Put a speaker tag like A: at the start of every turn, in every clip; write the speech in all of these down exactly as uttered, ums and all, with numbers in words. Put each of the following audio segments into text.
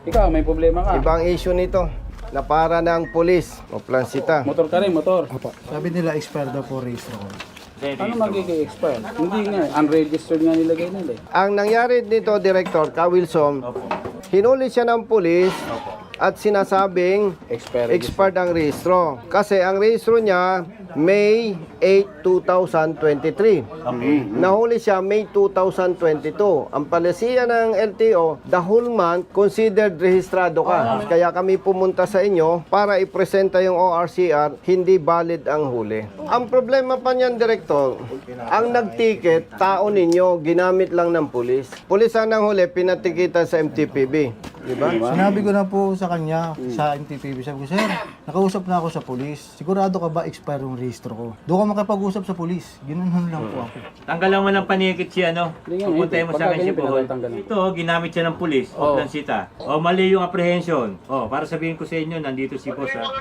A: Ikaw, may problema ka.
B: Ibang issue nito. Na para ng pulis o plansita.
A: Motor ka rin, motor.
C: Opo. Sabi nila expire daw po registro ko.
A: Ano magiging expire? Hindi nga, unregistered nga nilagay nila eh.
B: Ang nangyari dito, Director, Ka Wilson, hinuli siya ng pulis at sinasabing
A: Expire.
B: expired ang rehistro. Kasi ang rehistro niya, May eighth, two thousand twenty-three. Nahuli siya May two thousand twenty-two. Ang palisiya ng L T O, the whole month considered rehistrado ka. Kaya kami pumunta sa inyo para ipresenta yung O R C R, hindi valid ang huli. Ang problema pa niyan, Direktor, ang nagticket, tao ninyo, ginamit lang ng pulis. Pulis ang nanghuli, pinatikitan sa M T P B. Diba?
C: Sinabi ko na po sa kanya, sa M T P B, sabi ko, sir, nakausap na ako sa pulis. Sigurado ka ba expire yung registro ko? Doon ka makapag-usap sa pulis. Ginanon lang po ako.
D: Tanggalan mo ng panikit siya, ano?
A: Hindi nga,
D: Pupuntahin mo
A: pagka
D: sa akin si
A: ganyan,
D: Bohol.
A: pinatanggalan.
D: Ito, ginamit siya ng pulis.
A: Oo.
D: O, lansita. O, mali yung apprehension. O, para sabihin ko sa inyo, nandito si boss, ha?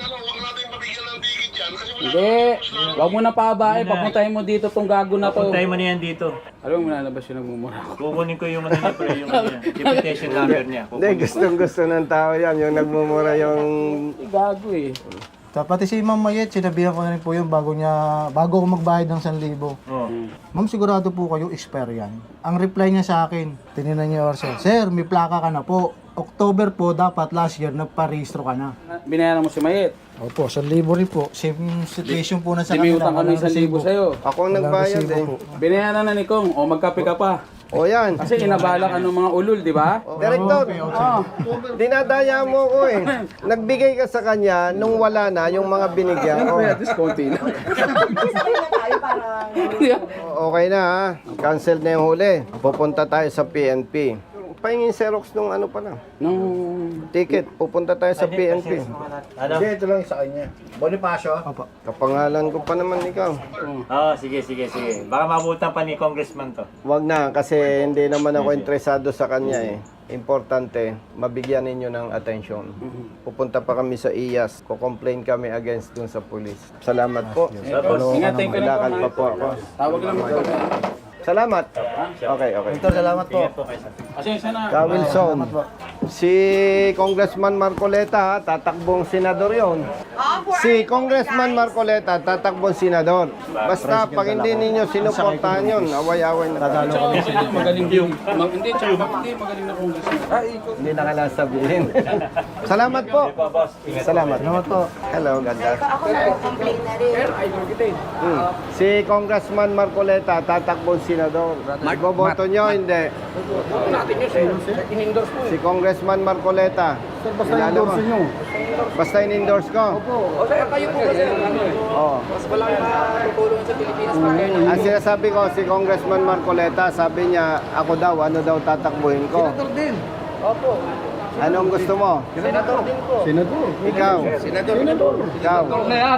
A: Hindi. Huwag mo na pabae. Papuntahin mo dito tong gago na to.
D: Pupuntahin mo na yan dito.
A: Alam mo, nalabas yung nagmumura ko.
D: Kukunin ko yung ano niya, pre, yung ano niya. Deputation number niya.
B: Hindi, gustong gusto ng tao yan. Yung nagmumura yung...
A: Gago eh.
C: So, pati si Ma'am Mayet, sinabihan ko na rin po yun bago niya, bago ako magbayad ng one thousand.
D: Oh.
C: Ma'am, sigurado po kayo expire yan. Ang reply niya sa akin, tinignan niya or sir, sir, may plaka ka na po. October po, dapat last year, nagpa-registro ka na.
A: Binayaran mo si Mayet.
C: Opo, one thousand rin po. Same situation po na sa
A: Hindi may
C: kanila.
A: utang kami
C: walang
A: sa libo
C: resibo.
A: sa'yo.
B: Ako ang nagbayad eh.
A: Binayaran na ni Kong. O magkape ka pa.
B: O yan.
A: Kasi inabala ka ng mga ulol, di ba?
B: Director, dinadaya mo ko eh. Nagbigay ka sa kanya nung wala na yung mga binigyan ko.
A: At least konti lang.
B: O- Okay na ha. Cancel na yung huli. Pupunta tayo sa P N P. Pahingin Xerox nung ano pa lang.
A: Nung...
B: Ticket. Pupunta tayo sa P N P.
D: Ano?
C: ito lang sa kanya. Bonifacio? Opo.
B: Kapangalan ko pa naman ikaw.
D: Oo, sige, sige, sige. Baka mabutan pa ni congressman to.
B: Wag na kasi hindi naman ako interesado sa kanya eh. Importante, mabigyan ninyo ng attention. Pupunta pa kami sa I A S. Ko-complain kami against dun sa police. Salamat po.
A: Ingatin ko na
B: Lakad pa po ako.
A: Tawag lang mo.
B: Salamat. Okay, okay.
C: Ito, salamat po.
A: Pasensya na.
B: Ka Wilson, si Congressman Marcoleta, ha, tatakbong senador yon. Si Congressman Marcoleta, tatakbong senador. Basta pag hindi ninyo sinuportahan yun, away-away na tayo.
A: Tsaka kasi magaling yung... Mag, hindi, tsaka hindi magaling na congressman. Ay, ikaw.
B: Hindi na kailangan sabihin. Salamat po. Salamat.
C: Salamat po.
B: Hello, ganda.
E: Ako nag-complain na rin.
A: Sir, idol kita eh.
B: Hmm. Si Congressman Marcoleta, tatakbong senador. Boboto nyo, hindi.
A: Ito natin yun, sir. In-endorse mo
B: Si
A: eh.
B: Congressman Marcoleta.
A: Basta
B: Kilala mo?
A: endorse nyo.
B: Basta in-endorse ko.
A: O sir, kayo po kasi ano eh.
B: Oh.
A: Mas wala kang tutulong sa Pilipinas pa kayo.
B: Ang sinasabi ko, si Congressman Marcoleta, sabi niya, ako daw, ano daw tatakbuhin ko.
A: din. Opo.
B: Anong gusto mo?
A: Senador din po.
B: Senador. Ikaw.
A: Senador. Senador.
B: Ikaw.
A: Na yan.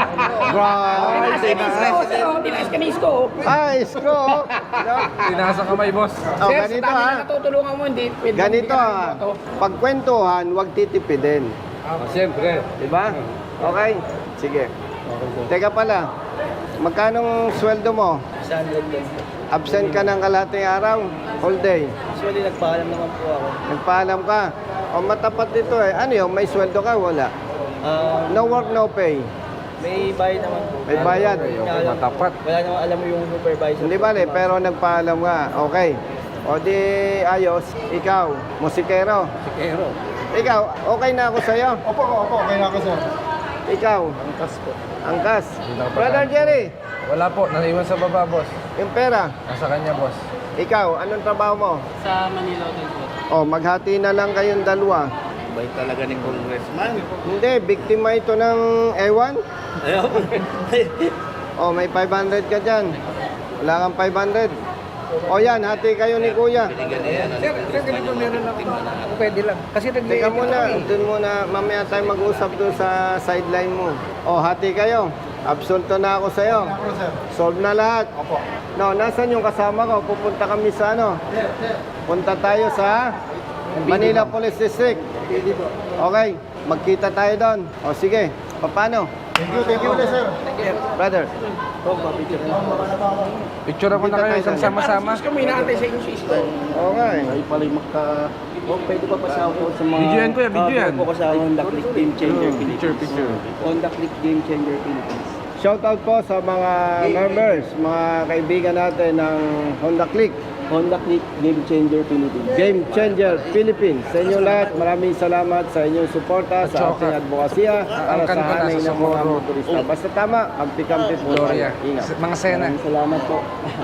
B: Right.
A: Tinais ka ni Isko.
B: Ah, isko.
A: Tinasa kamay, boss.
B: Oh, ganito ha.
A: Natutulungan mo, hindi. pwede
B: Ganito
A: mo
B: ha.
A: bigyan ng boto.
B: Pagkwentuhan, huwag titipidin.
A: Ah, siyempre.
B: Diba? Okay? Sige. Teka pala. Magkanong sweldo mo? Absent ka ng kalahating araw? Whole day?
F: Actually, nagpaalam naman po ako.
B: Nagpaalam ka? O matapat dito eh. Ano yun? May sweldo ka? Wala.
F: Ah,
B: No work, no pay.
F: may bayad naman po.
B: May bayad.
F: Matapat. Wala naman alam mo yung supervisor.
B: Hindi ba pero nagpaalam ka. Okay. O di ayos. Ikaw, musikero.
A: Sikero.
B: Ikaw, okay na ako sa'yo.
C: Opo, opo, okay na ako, sir.
B: Ikaw,
A: Angkas po.
B: angkas. Brother Jerry,
G: Wala po, naiwan sa baba, boss.
B: yung pera.
G: Nasa kanya, boss.
B: Ikaw, anong trabaho mo?
F: Sa Manila din po.
B: O, maghati na lang kayong dalawa.
F: Bay talaga ni congressman.
B: Hindi, biktima ito ng ewan. O, may five hundred ka dyan. Wala kang five hundred. O yan, hati kayo ni kuya.
A: Sir, sir, ganito meron ako. Pwede lang. Kasi nag
B: Teka muna, dun muna, mamaya tayo mag-usap dun sa sideline mo. O, hati kayo. Absolto na ako sa'yo. Solve na lahat. No, nasan yung kasama ko? Pupunta kami sa ano? Punta tayo sa Manila Police District. Okay, magkita tayo doon. O sige, paano?
C: Thank you, thank you ulit, sir.
B: Brother,
G: Picture ako na kayo, isang sama-sama.
A: Kami inaantay sa inyo si Isko.
B: okay.
A: Ay pala magka...
F: Oh, pwede pa pasama po sa mga...
G: Video yan, kuya, video yan.
F: Ah, po ko sa Honda Click Game Changer Philippines.
G: Picture, picture.
F: Honda Click Game Changer Philippines.
B: Shoutout po sa mga members, mga kaibigan natin ng Honda Click.
F: Honda Click Game Changer Philippines.
B: Game Changer Philippines. Sa inyo lahat, maraming salamat sa inyong suporta sa ating advokasya para sa hanay ng mga motorista. Basta tama, kampi-kampi po.
G: Gloria.
B: Ingat.
G: Mga sena.
F: Maraming salamat po.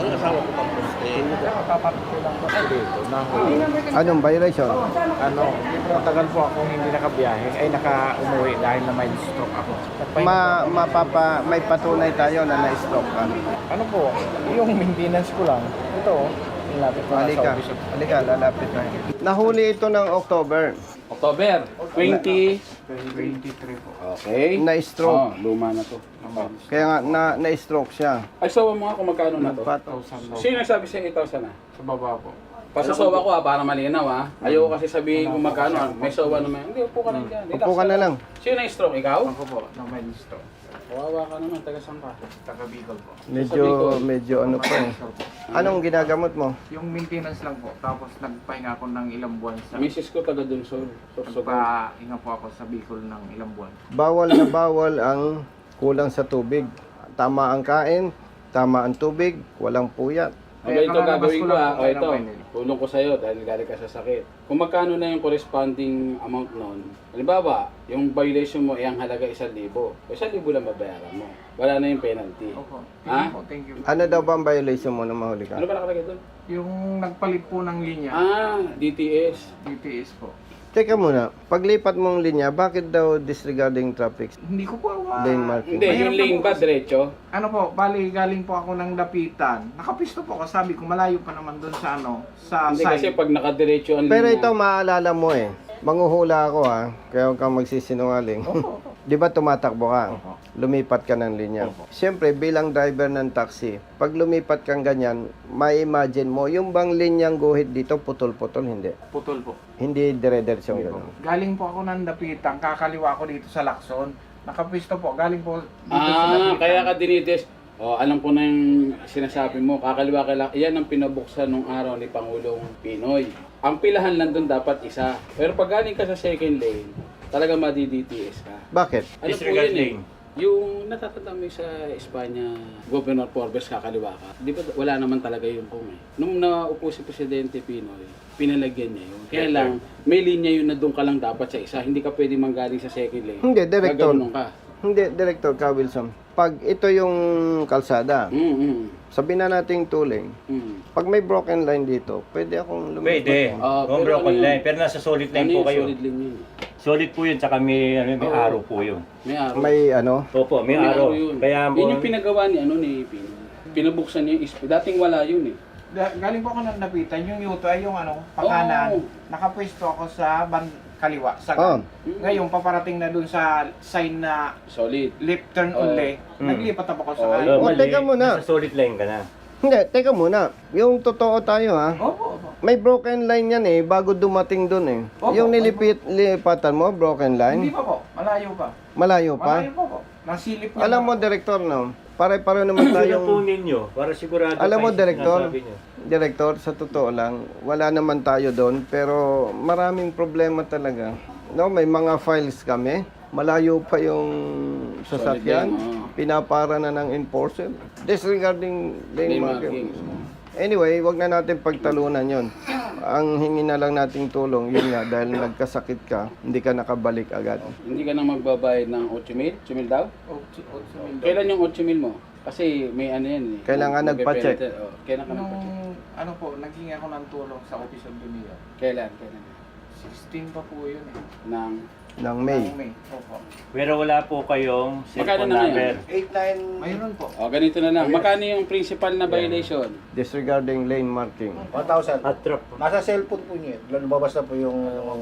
B: Anong violation?
H: Ano, matagal po akong hindi nakabiyahe, ay naka-umuwi dahil na may stroke ako.
B: Ma, mapapa, may patunay tayo na na-stroke ka.
H: Ano po, yung maintenance ko lang, ito, nilapit ko na sa
B: Halika,
H: office.
B: halika, lalapit na. Nahuli ito ng October.
A: October twenty.
H: twenty-three po.
A: Okay.
B: Na-stroke.
A: Oh, luma na to.
B: Kaya nga, na, na-stroke siya.
A: Ay, sawa mo nga kung magkano na to.
B: Pat-
A: Sino nagsabi sa eight thousand na?
H: Sa baba po.
A: Pasasawa ko ha, para malinaw ha. Ayoko kasi sabihin kung magkano. ah. May sawa naman. Hindi, upo ka lang dyan. Relax
B: Upo ka na lang.
A: Sino na-stroke? Ikaw?
H: Ako po, na may stroke.
A: Kawawa ka naman. Taga saan ka?
H: Taga Bicol po.
B: Medyo, medyo ano pa eh. Anong ginagamot mo?
H: Yung maintenance lang po, tapos nagpahinga ako ng ilang buwan sa...
A: Misis ko taga Dunsol. Sursog.
H: Nagpahinga po ako sa Bicol ng ilang buwan.
B: Bawal na bawal ang kulang sa tubig. Tama ang kain, tama ang tubig, walang puyat.
A: Okay, ito
H: Kakalabas
A: gagawin
H: ko
A: ko
H: lang
A: ha.
H: po
A: O
H: kayo
A: ito,
H: ng final.
A: tulong ko sa'yo dahil galing ka sa sakit. Kung magkano na yung corresponding amount nun, halimbawa, yung violation mo ay ang halaga isang libo. O isang libo lang babayaran mo. Wala na yung penalty.
H: Opo, thank
A: Ha?
H: you po, thank you.
B: Ano daw ba ang violation mo na mahuli ka?
A: Ano ba nakalagay doon?
H: Yung nagpalit po ng linya,
A: Ah, D T S.
H: D T S po.
B: Teka muna, paglipat mong linya, bakit daw disregarding traffic
H: Hindi ko po ma...
B: lane marking?
A: Hindi,
H: Mahirap
A: yung
H: na
A: lane
H: po
A: ba
H: kasi.
A: diretso?
H: Ano po, bali galing po ako ng Dapitan. Nakapisto po ako, sabi ko malayo pa naman doon sa ano, sa
A: Hindi
H: side.
A: kasi pag nakadiretso ang
B: Pero
A: linya.
B: ito maalala mo eh. Manguhula ako ha, kaya huwag kang magsisinungaling.
H: Opo, opo.
B: Di ba tumatakbo ka?
H: Opo.
B: Lumipat ka ng linya.
H: Opo.
B: Siyempre, bilang driver ng taxi, pag lumipat kang ganyan, may imagine mo, yung bang linyang guhit dito, putol-putol, hindi.
H: Putol po.
B: Hindi dire-diretsyong gano'n.
H: Galing po ako ng Dapitan, kakaliwa ko dito sa Lacson. Nakapisto po, galing po dito sa
A: Ah,
H: Dapitan.
A: kaya ka dinides. Oh, alam ko na yung sinasabi mo. Kakaliwa ka lang. Yan ang pinabuksan nung araw ni Pangulong Pinoy. Ang pilahan lang doon dapat isa. Pero pag galing ka sa second lane, talaga madi-D T S ka.
B: Bakit?
A: Ano po
D: Disregard
A: yun eh?
D: lane.
A: Yung natatanda mo yung sa Espanya, Governor Forbes kakaliwa ka. Di ba wala naman talaga yung kung eh. Nung naupo si Presidente Pinoy, pinalagyan niya yun. Kaya lang, may linya yun na doon ka lang dapat sa isa. Hindi ka pwede manggaling sa second lane.
B: Hindi, director.
A: Gaganon ka.
B: Hindi, Director Ka Wilson. Pag ito yung kalsada,
A: Mm, mm,
B: sabihin na nating two lane,
A: mm.
B: pag may broken line dito, pwede akong lumipat.
D: Pwede.
A: Ah,
D: Kung
A: pero
D: broken
A: ano yun?
D: line. Pero nasa solid line
A: Ano
D: po
A: yung
D: kayo.
A: solid lane yun?
D: Solid po yun, tsaka may, ano, may
A: Oo.
D: araw po yun.
A: May araw.
B: May ano,
D: Opo, may, araw.
A: yun.
D: Kaya po,
A: yun yung pinagawa ni ano ni Pinoy. Pinabuksan niya yung isp- dating wala yun eh.
H: Da- galing po ako ng Dapitan, yung yuto ay yung ano, pakanan.
A: Oo.
H: Nakapwesto ako sa ban kaliwa, sa
B: Oh.
H: Ngayon, paparating na dun sa sign na
A: Solid.
H: left turn
A: Oo.
H: only.
D: Mm.
H: Naglipat ako sa
A: Oo,
H: kanan.
D: oh,
B: Oh,
D: mali.
B: teka muna.
D: Nasa solid line ka na.
B: hindi, teka muna. Yung totoo tayo ha,
H: Opo, opo.
B: may broken line yan eh, bago dumating dun eh.
H: Opo,
B: Yung nilipit, lipatan mo, broken
H: Hindi
B: line,
H: pa po, malayo pa.
B: malayo pa.
H: Malayo pa po. Nasilip niya.
B: Alam
H: pa
B: mo,
H: po.
B: Director, no? Pare-pare naman
D: Sila po
B: tayong...
D: ninyo, para sigurado
B: Alam mo,
D: kayo sa
B: Director,
D: sinasabi nyo.
B: Director, sa totoo lang, wala naman tayo doon, pero maraming problema talaga. No, may mga files kami, malayo pa yung sasakyan,
A: Solid lane, oo.
B: pinapara na ng enforcer. Disregarding lane
A: Lane
B: marking.
A: marking.
B: Anyway, wag na natin pagtalunan yon. Ang hingi na lang nating tulong, yun nga, dahil nagkasakit ka, hindi ka nakabalik agad.
A: Hindi ka na magbabayad ng eight mil? eight mil daw?
H: Ocho, ocho mil daw.
A: Kailan yung eight mil mo? Kasi may ano yan eh.
B: Kailangan nagpa-check.
A: Magpe-penalty. Oh, kailan ka
H: Nung,
A: nagpa-check?
H: ano po, naging ako ng tulong sa Office of the Mayor.
A: Kailan? Kailan?
H: sixteen pa po yun eh.
A: Ng...
B: Ng May.
H: Ng May. Opo.
D: Pero wala po kayong
A: Magkano
D: cellphone
A: na
D: number.
A: ngayon?
B: eight nine
H: Mayroon po.
A: Oh, ganito na lang. Magkano yung principal na violation?
B: Disregarding lane marking.
G: one thousand.
D: At trap.
G: Nasa cellphone po niya. Lumabas na po yung...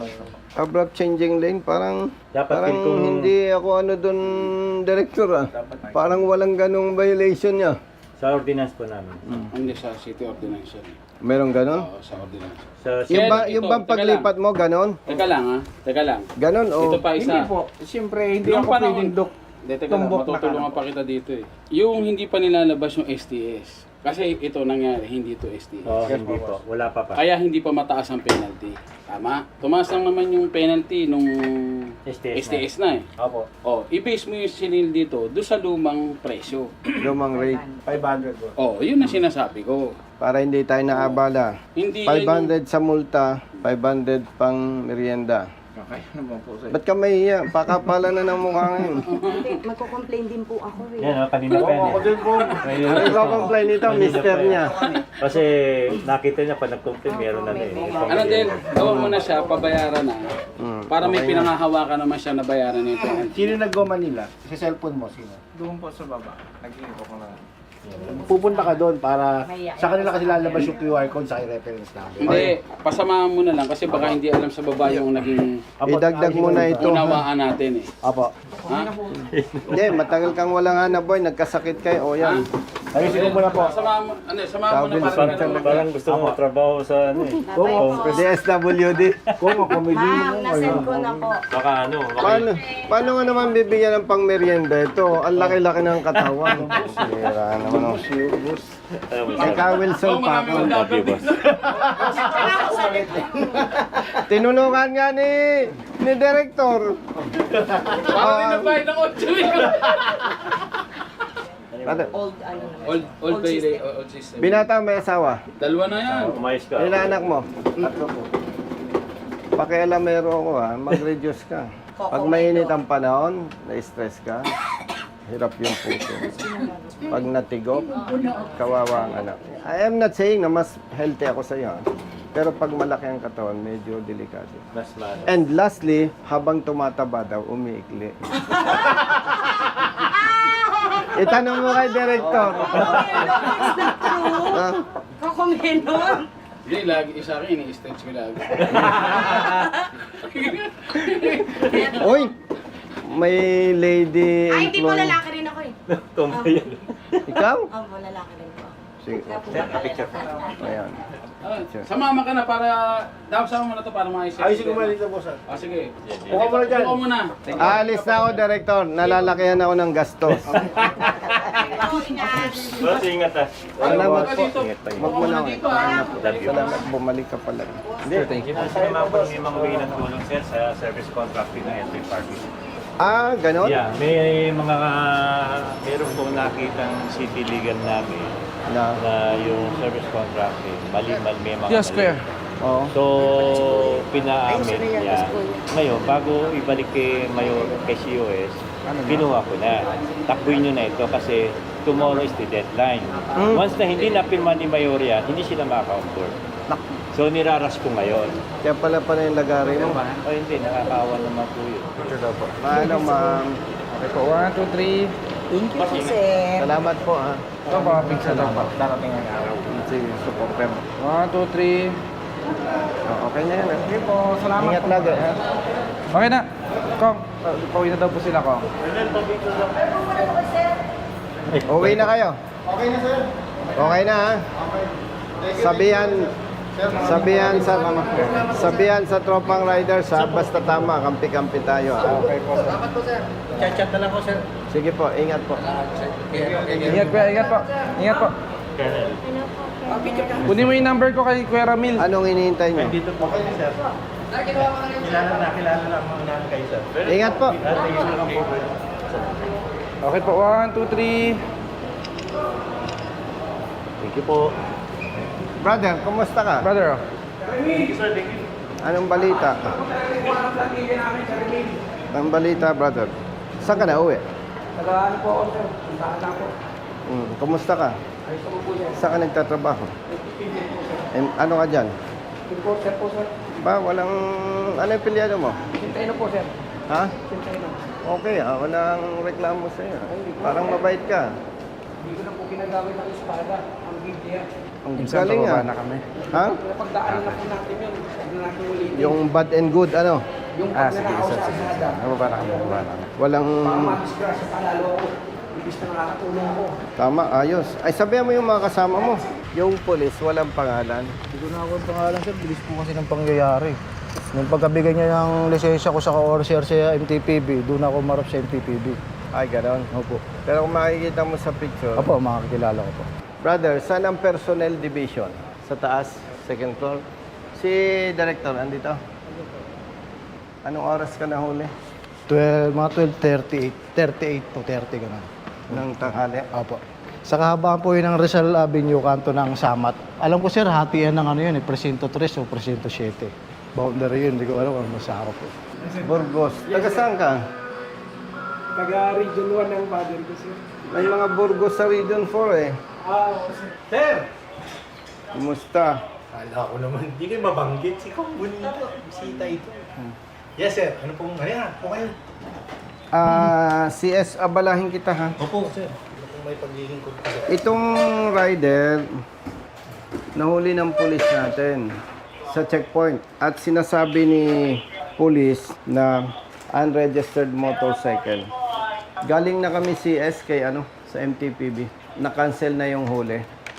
B: Abrupt changing lane, parang
D: Dapat
B: parang
D: din kung-
B: hindi ako ano doon, director ah. Parang walang ganong violation niya.
D: Sa ordinance po namin.
A: Hindi sa city ordinance yan eh.
B: Meron ganon?
A: Oo, sa ordinance.
D: Sa
B: Yung ba,
A: Ito,
B: yung bang
A: teka
B: paglipat mo ganon?
A: Teka lang ha. Teka lang.
B: Ganon o?
A: Ito pa
H: Hindi
A: isa.
H: po. Siyempre, hindi
A: Nung
H: ako
A: panahon-
H: pwedeng dok.
A: Hindi, teka lang.
H: Tumbok na
A: Matutulungan
H: ka na
A: pa kita dito eh. Yung hindi pa nilalabas yung S T S. Kasi ito nangyari, hindi to S T S.
D: Oh, hindi po. Wala pa pa.
A: Kaya hindi pa mataas ang penalty. Tama? Tumaas lang naman yung penalty nung
D: S T S
A: S T S na eh.
G: Opo.
A: Oh, i-base mo yung sinil dito doon sa lumang presyo.
B: Lumang rate.
G: five hundred po.
A: Oh, yun ang sinasabi ko.
B: Para hindi tayo naabala.
A: Hindi
B: five
A: yan
B: hundred sa multa, five hundred pang merienda.
H: Okay naman po sir.
B: Ba't ka mahiya? Pakapala na ng mukha ngayon.
E: Hindi, magko-complain din po ako eh.
D: Yan, oh, kanina pa yan.
G: Ako din po.
B: Ano iko-complain nito, mister niya?
D: Kasi nakita niya pa nag-complain, meron na na eh.
A: yung, ano din, gawa mo na siya, pabayaran na.
B: Hmm,
A: Para may
B: okay na.
A: pinangahawakan naman siya na bayaran nito.
G: Sino nag-go Manila? Sa cellphone mo, sino?
H: Doon po sa baba. Nag-iipo ko na.
G: Pupunta ka doon para sa kanila kasi lalabas yung Q R code sa reference number.
A: Hindi, pasamahan mo na lang kasi baka hindi alam sa baba yung naging
B: Idagdag mo na ito. ha?
A: unawaan natin eh.
G: Apo.
A: Ha?
B: Hindi, matagal kang walang hanap boy, nagkasakit kayo. O yan.
G: Ayusin ko muna po.
A: Samahan mo, ano, samahan mo na
B: Sabi,
A: para
D: Parang,
A: parang,
D: parang gusto mo trabaho sa ano eh.
B: D S W D.
G: Kung ako comedy
E: Ma'am,
G: mo,
E: nasend ko na po.
D: Baka ano, baka
B: Paano, paano nga naman bibigyan ng pang merienda ito? Ang laki-laki ng katawan. Sira naman. oh.
D: alam mo,
B: Kay Ka Wilson
A: oh,
B: pa
A: marami
B: ako.
A: magdadagdag
D: boss.
B: Tinulungan nga ni ni Director.
A: parang nagbayad ng otso
B: Ano,
E: Old ano naman.
A: Old, old bay, old system.
B: binata may asawa.
A: Dalawa na yan.
D: Umayos ka.
B: Ilan anak mo? Pakialamero ko ha, mag-reduce ka. Pag mainit ang panahon, na-stress ka, hirap yung puso. Pag natigop, kawawa ang anak. I am not saying na mas healthy ako sa iyo. Pero pag malaki ang katawan, medyo delikado.
D: Mas lalo.
B: And lastly, habang tumataba daw, umiikli. Itanong mo kay Director. Ah,
E: Kakumenon.
A: Hindi, lagi isa akin, ini-stretch ko lagi.
B: Uy! May lady
E: Ay, hindi po
B: employee.
E: lalaki rin ako eh.
D: Tomboy yan.
B: Ikaw?
E: Opo, lalaki rin po.
B: Sige.
D: Picture.
B: Ayan.
A: Ah, sumama ka na para, daw sama mo na to para maayos.
G: Ayusin ko muna dito po, sir.
A: Ah, sige.
G: Kuha mo na dyan.
A: Kuha mo na.
B: Aalis na ako, Director. Nalalakihan ako ng gastos.
D: Boss, ingat ah.
B: Salamat
A: Huwag ka
B: po.
A: dito.
D: Ingat pa, ingat.
B: Huwag mo na ako.
A: dito ah.
D: Love you.
B: Salamat, bumalik ka pala. Hindi.
D: Kasi naman po may mga way ng tulong sir sa service contracting ng L P Parking.
B: Ah, ganon?
D: Yeah, may mga meron pong nakitang city legal namin
B: Na.
D: na yung service contracting mali-mali may mga
I: Yes,
D: mali.
I: Kuya.
B: Oo.
D: So, pinaamin niya. Ngayon, bago ibalik kay Mayor, kay C O S, kinuha ko na. Takbuhin nyo na ito kasi tomorrow is the deadline.
B: Mm.
D: Once na hindi napirma ni Mayor yan, hindi sila makaka-onboard. So, niraras ko ngayon.
B: Kaya pala pala yung lagari mo.
D: O hindi, nakakaawa naman po yun.
B: Paano, ma'am?
I: Okay po, one, two, three.
E: Thank you po, sir.
B: Salamat po, ha.
I: Ito po, pizza daw po.
G: Darating ang araw.
B: Sige, supporter.
I: One, two, three.
B: Oh, okay na yan, ha.
I: Okay po, salamat
B: Ingat
I: po.
B: lagi, ha.
I: Okay na. Kong, pauwi na daw po sila, Kong.
B: Uwi na kayo.
G: Okay na, sir.
B: Okay na, ha. Sabihan, sabihan sa sabihan sa tropang riders, ha. Basta tama, kampi-kampi tayo, ha.
G: Okay po, sir. Salamat po, sir. Chat-chat na lang po, sir.
B: Sige po, ingat po.
I: Ingat, Kuya. Ingat po. Ingat po. Kunin mo yung number ko kay Kuya Ramil.
B: Anong hinihintay nyo?
D: Dito po kayo, sir. Kilala na, kilala lang mga namin kayo, sir.
B: Ingat po.
I: Okay po, one, two, three.
D: Thank you po.
B: Brother, kumusta ka?
I: Brother, oh.
B: Anong balita? Anong balita, brother? Saan ka na uwi?
I: Nag-ano po ako, sir. Puntahan na po.
B: Hmm, kumusta ka? Saan ka nagtatrabaho? Eh, ano ka dyan?
I: Importer po, sir.
B: Ba, walang... Ano yung pilyado mo?
I: Sintay na po, sir.
B: Ha?
I: Sintay na.
B: Okay, ah, walang reklamo sa'yo. Parang mabait ka.
I: Hindi ko na po ginagamit ang espada. Ang Biblia.
B: Ang galing ah.
I: na kami.
B: Ha?
I: Napagdaanan na po natin yun. Huwag na natin ulitin.
B: Yung bad and good, ano?
I: Yung pagnanakaw sa espada.
B: Nababa na kami, nababa na kami. Walang...
I: Baka madisgrasya pa lalo ako. Ibig na nakakatulong ako.
B: Tama, ayos. Ay, sabihan mo yung mga kasama mo. Yung polis, walang pangalan.
C: Hindi ko na ako ang pangalan, sir. Bilis po kasi ng pangyayari. Nung pagkabigay niya ng lisensya ko sa O R C R sa M T P B, doon ako marap sa M T P B.
B: Ay, ganon.
C: Opo.
B: Pero kung makikita mo sa picture,
C: Opo, makakilala ko po.
B: Brother, saan ang personnel division? Sa taas, second floor. Si Director, andito. Anong oras ka nahuli?
C: twelve, mga twelve thirty-eight, thirty-eight to thirty ganun.
B: Ng tanghali?
C: Opo. Sa kahabaan po yun ng Rizal Avenue, kanto ng Samat. Alam ko sir, hati yan ng ano yun, eh, Presinto three o Presinto seven. Boundary yun, hindi ko alam kung masarap po.
B: Burgos. Taga saan ka?
I: Taga-region one ng father ko, sir.
B: May mga Burgos sa Region four eh.
I: Ah, sir.
B: Kumusta?
G: Kala ko naman, hindi kayo mabanggit. Si Kong Bonita, bisita ito. Yes, sir. Ano pong, ayan, po kayo.
B: Ah, C S, abalahin kita ha.
G: Opo, sir. Ano pong may paglilingkod ka, sir?
B: Itong rider, nahuli ng pulis natin sa checkpoint. At sinasabi ni pulis na unregistered motorcycle. Galing na kami C S kay ano, sa M T P B. Na-cancel na yung huli.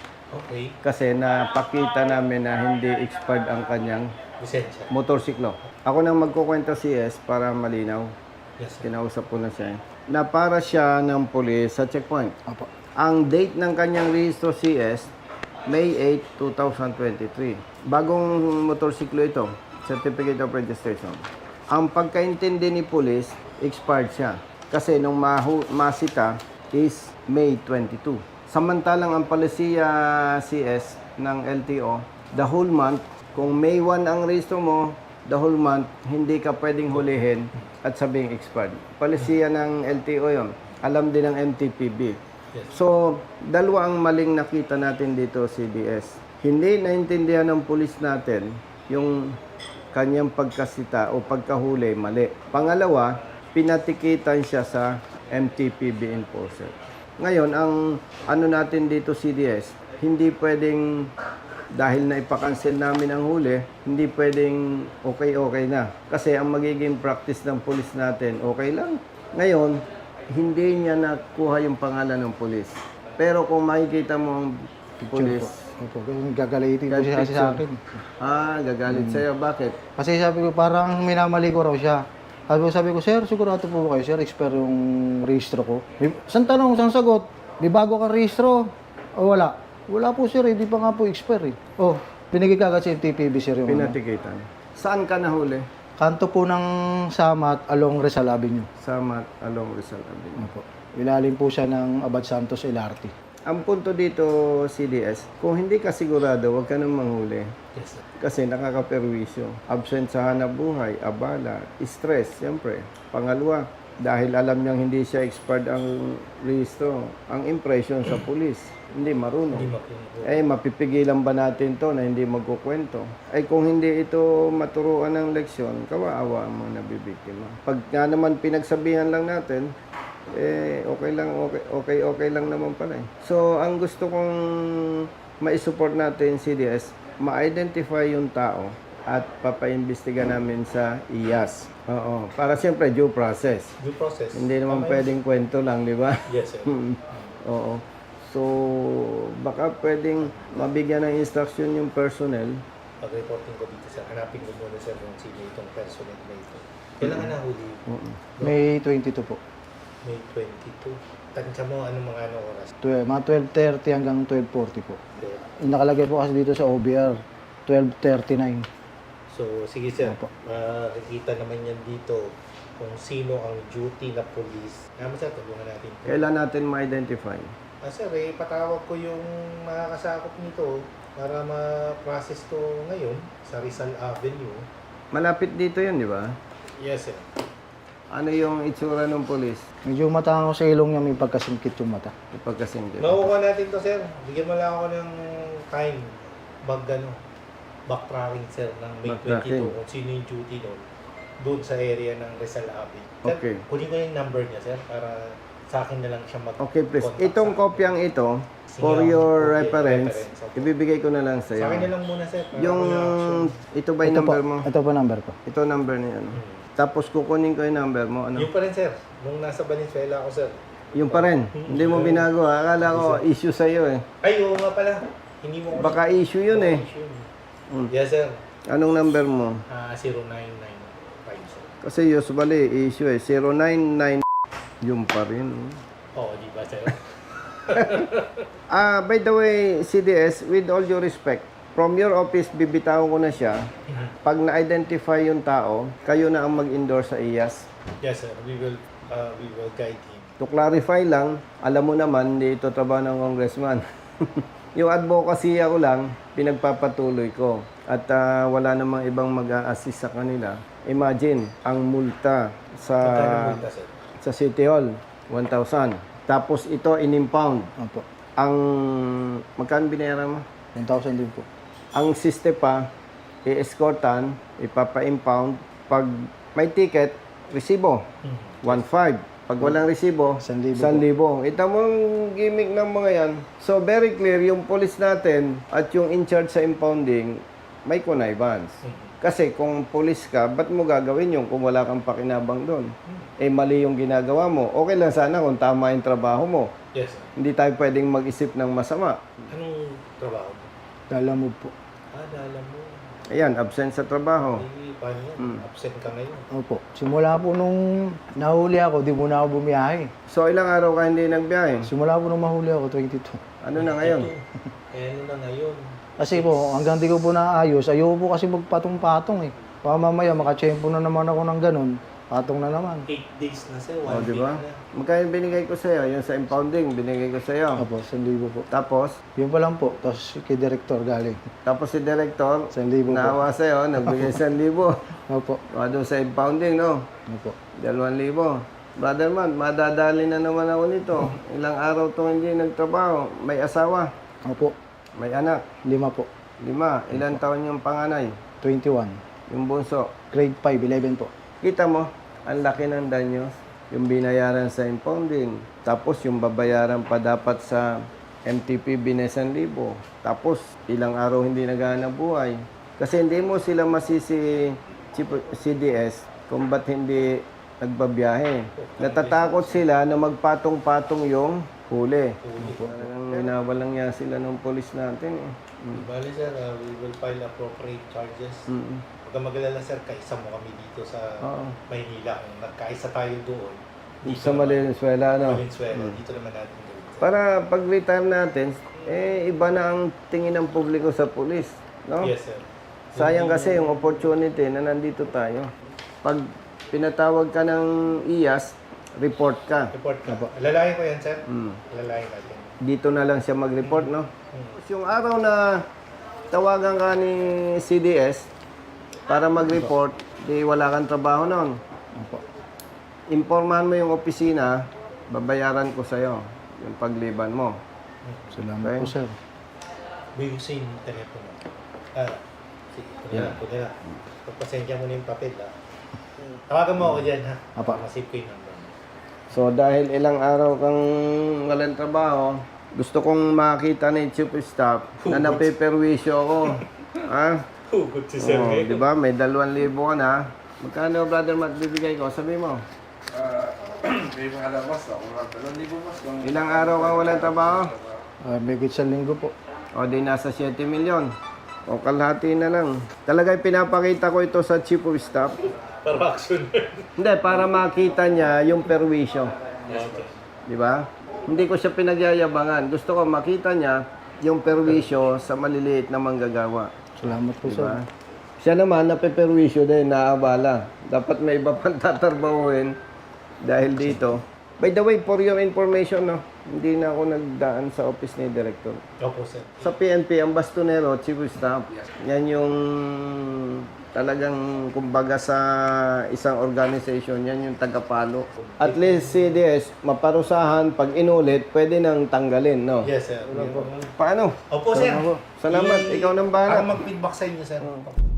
G: Okay.
B: Kasi napakita namin na hindi expired ang kanyang
G: Lisensya.
B: motorsiklo. Ako nang magkukwenta C S para malinaw.
G: Yes, sir.
B: Kinausap ko na siya. Na para siya ng pulis sa checkpoint.
C: Opo.
B: Ang date ng kanyang rehistro C S, May eighth, twenty twenty-three. Bagong motorsiklo ito, Certificate of Registration. Ang pagkaintindi ni pulis, expired siya. Kasi nung mahu- masita is May twenty-two. Samantalang ang palisiya C S ng L T O, the whole month, kung May one ang rehistro mo, the whole month, hindi ka pwedeng hulihin at sabing expired. Palisiya ng L T O yon. Alam din ng M T P B. So, dalawa ang maling nakita natin dito, C D S. Hindi naintindihan ng pulis natin yung kanyang pagkasita o pagkahuli, mali. Pangalawa, pinatikitan siya sa M T P B enforcer. Ngayon, ang ano natin dito, C D S, hindi pwedeng, dahil na ipakancel namin ang huli, hindi pwedeng okay-okay na. Kasi ang magiging practice ng pulis natin, okay lang. Ngayon, hindi niya nakuha yung pangalan ng pulis. Pero kung makikita mo ang pulis,
C: Opo, kung gagalitin po siya kasi sa akin.
B: ah, gagalit sa'yo. Bakit?
C: Kasi sabi ko, parang minamali ko raw siya. Sabi ko, sabi ko, sir, sigurado po ba kayo, sir, expire yung rehistro ko. May- Saan tanong, saan sagot? May bago kang rehistro? O wala? Wala po, sir, hindi pa nga po expire eh. Oh, pinigay ka agad sa M T P B, sir, yung ano.
B: Pinatikitan. Saan ka nahuli?
C: Kanto po ng Samat along Rizal Avenue.
B: Sa Mat Along Rizal Avenue.
C: Opo. Ilalim po siya ng Abad Santos L R T.
B: Ang punto dito, C D S, kung hindi ka sigurado, huwag ka nang manghuli.
G: Yes, sir.
B: Kasi nakakaperwisyo. Absent sa hanap buhay, abala, stress, siyempre. Pangalawa, dahil alam niyang hindi siya expired ang rehistro, ang impression sa pulis, hindi marunong.
G: Hindi makinig.
B: Eh, mapipigilan ba natin to na hindi magkukwento? Ay, kung hindi ito maturuan ng leksyon, kawaawa ang mga nabibiktima. Pag nga naman pinagsabihan lang natin, eh, okay lang, okay, okay, okay lang naman pala eh. So, ang gusto kong ma-support natin, C D S, ma-identify yung tao at papaimbestiga namin sa I A S. Oo, para siyempre due process.
G: Due process.
B: Hindi naman
G: Tama yun.
B: pwedeng kwento lang, di ba?
G: Yes, sir.
B: Oo. So, baka pwedeng mabigyan ng instruction yung personnel.
G: Pag-reporting ko dito, sir, hanapin ko muna, sir, kung sino itong personal na ito. Kailangan na huli.
C: May twenty-two po.
G: May twenty-two. Tansya mo, anong mga ano oras?
C: Twe- mga twelve thirty hanggang twelve forty po.
G: Okay.
C: Yung nakalagay po kasi dito sa O B R, twelve thirty-nine.
G: So, sige, sir.
C: Opo.
G: Makikita naman yan dito kung sino ang duty na police. Naman, sir, tulungan natin.
B: Kailan natin ma-identify?
G: Ah, sir, eh, patawag ko yung makakasakop nito para ma-process to ngayon sa Rizal Avenue.
B: Malapit dito yun, di ba?
G: Yes, sir.
B: Ano yung itsura ng polis?
C: Medyo matango sa ilong niya, may pagkasingkit yung mata.
B: Ipagkasing dito.
G: Makukuha natin to, sir. Bigyan mo lang ako ng time. Bag, ano, backtracking, sir, ng May
B: Backtracking.
G: twenty-two. Kung sino yung duty doon. Doon sa area ng Rizal Avenue. Sir,
B: Okay.
G: kunin ko yung number niya, sir, para sa akin na lang siya mag
B: Okay, please.
G: contact
B: Itong
G: sa akin.
B: kopyang ito, for
G: Sige,
B: your
G: okay,
B: reference,
G: reference, okay.
B: ibibigay ko na lang sa
G: Sa akin na
B: iyo.
G: lang muna, sir. para
B: Yung,
G: ako na-action.
B: ito ba yung
C: Ito po,
B: number mo?
C: ito po number ko.
B: Ito number niya, ano?
G: Hmm.
B: Tapos kukunin ko yung number mo, ano?
G: Yung pa rin, sir. Nung nasa Valenzuela ako, sir.
B: Yung pa rin. Hindi mo binago, ha? Akala ko issue sa iyo eh.
G: Ay, oo nga pala. Hindi mo ko
B: Baka issue yun eh. Mm.
G: Yes, sir.
B: Anong number mo?
G: Ah, zero nine nine five, sir.
B: Kasi usually issue eh. zero nine nine yung pa rin. oh.
G: Oo, di ba, sir?
B: Ah, by the way, C D S, with all due respect, from your office, bibitawan ko na siya. Pag na-identify yung tao, kayo na ang mag-endorse sa I A S.
G: Yes, sir. We will, uh, we will guide him.
B: To clarify lang, alam mo naman, hindi ito trabaho ng congressman. Yung advocacy ako lang, pinagpapatuloy ko. At ah, wala namang ibang mag-a-assist sa kanila. Imagine, ang multa sa
G: Magkano multa, sir?
B: sa City Hall, one thousand. Tapos ito, in-impound.
C: Opo.
B: Ang, magkano binayaran mo?
C: one thousand din po.
B: Ang siste pa, i-escortan, ipapa-impound. Pag may ticket, resibo, one five. Pag walang resibo,
C: San libo
B: san libo. Ito mong gimmick ng mga yan. So, very clear, yung police natin at yung in charge sa impounding, may connivance. Kasi kung police ka, ba't mo gagawin yung kung wala kang pakinabang doon? Eh, mali yung ginagawa mo. Okay lang sana kung tama yung trabaho mo.
G: Yes, sir.
B: Hindi tayo pwedeng mag-isip ng masama.
G: Anong trabaho mo?
C: Dala mo po.
G: Ah, alam mo.
B: Ayan, absent sa trabaho.
G: Eh, paano yan?
B: Hmm.
G: Absent ka ngayon.
C: Opo. Simula po nung nahuli ako, di muna ako bumiyahe.
B: So, ilang araw ka hindi nagbiyahe?
C: Simula po nung mahuli ako, twenty-two.
B: Ano na ngayon?
G: Eh, ano na ngayon?
C: Kasi po, hanggang di ko po naayos, ayoko po kasi magpatong-patong eh. Baka mamaya makachempo na naman ako ng ganun, patong na naman.
G: Eight days na, sir.
B: O,
G: One
B: di
G: week
B: ba?
G: na.
B: Magkano binigay ko sa'yo? Yung sa impounding, binigay ko sa'yo.
C: Opo, isang libo po.
B: Tapos,
C: Yun pa lang po, tapos kay director galing.
B: tapos si director,
C: Isang libo po.
B: naawa sa'yo, nagbigay isang libo.
C: Opo.
B: O, doon sa impounding, no?
C: Opo.
B: Dalawang libo. Brother man, madadali na naman ako nito. Ilang araw to hindi nagtrabaho. May asawa,
C: Opo.
B: may anak,
C: Lima po.
B: lima. Ilang taon yung panganay?
C: twenty-one.
B: Yung bunso.
C: Grade five, eleven po.
B: Kita mo, ang laki ng danyos. Yung binayaran sa impounding. Tapos yung babayaran pa dapat sa M T P binesan libo. Tapos ilang araw hindi naghahanap buhay. Kasi hindi mo sila masisi C D S kung ba't hindi nagbabiyahe. Natatakot sila na magpatong-patong yung huli. Talagang winawalang niya sila ng polis natin eh. Mm.
G: Bali, sir, uh, we will file appropriate charges.
B: Mm.
G: Huwag kang mag-alala, sir, kaisa mo kami dito sa
B: Oo.
G: Maynila. Kung nagkaisa tayo doon, dito
B: Sa Valenzuela, ano?
G: Valenzuela, dito naman natin gawin, sir.
B: Para pag-retire natin, eh, iba na ang tingin ng publiko sa pulis. No?
G: Yes, sir.
B: Sayang kasi yung opportunity na nandito tayo. Pag pinatawag ka ng I A S, report ka.
G: Report ka. Alalayan ko yan, sir.
B: Mm.
G: Alalayan natin.
B: Dito na lang siya mag-report, no? Tapos yung araw na tawagan ka ni C D S para mag-report, di wala kang trabaho noon.
C: Opo.
B: Impormahan mo yung opisina, babayaran ko sa'yo yung pagliban mo.
C: Salamat
B: Okay.
C: po, sir.
G: Buyusin yung telepono. Ah, sige. Ito na lang, ito na lang. Pagpasensya mo na yung papel, ha? Tawagan mo ako dyan, ha?
C: Apa.
G: Masip ko yung number.
B: So dahil ilang araw kang walang trabaho, gusto kong makita ni Chief of Staff na napeperwisyo ako. Ha?
G: Hugot si
B: Oh, di ba? May dalawang libo ka na. Magkano, brother Matt, bibigay ko? Sabi mo.
I: May mga labas ako. Dalawang libo mas.
B: Ilang araw kang walang trabaho?
C: Uh, may sa linggo po.
B: O di nasa siyete milyon. O kalahati na lang. Talaga pinapakita ko ito sa Chief of Staff.
G: Para action.
B: Hindi, para makita niya yung perwisyo. Di ba? Hindi ko siya pinagyayabangan. Gusto ko makita niya yung perwisyo sa maliliit na manggagawa.
C: Salamat po,
B: Di
C: sir.
B: ba? Siya naman, napeperwisyo din, naabala. Dapat may iba pang tatarbahuin dahil dito. By the way, for your information, no, hindi na ako nagdaan sa office ni Director.
G: Opo, sir.
B: Sa P N P, ang bastonero, Chief of Staff, yan yung talagang kumbaga sa isang organization, yan yung tagapalo. At least C D S, maparusahan, pag inulit, pwede nang tanggalin, no?
G: Yes, sir.
B: Paano?
G: Opo, sir.
B: Salamat. Ikaw nang bahala.
G: Ako mag-feedback sa inyo, sir.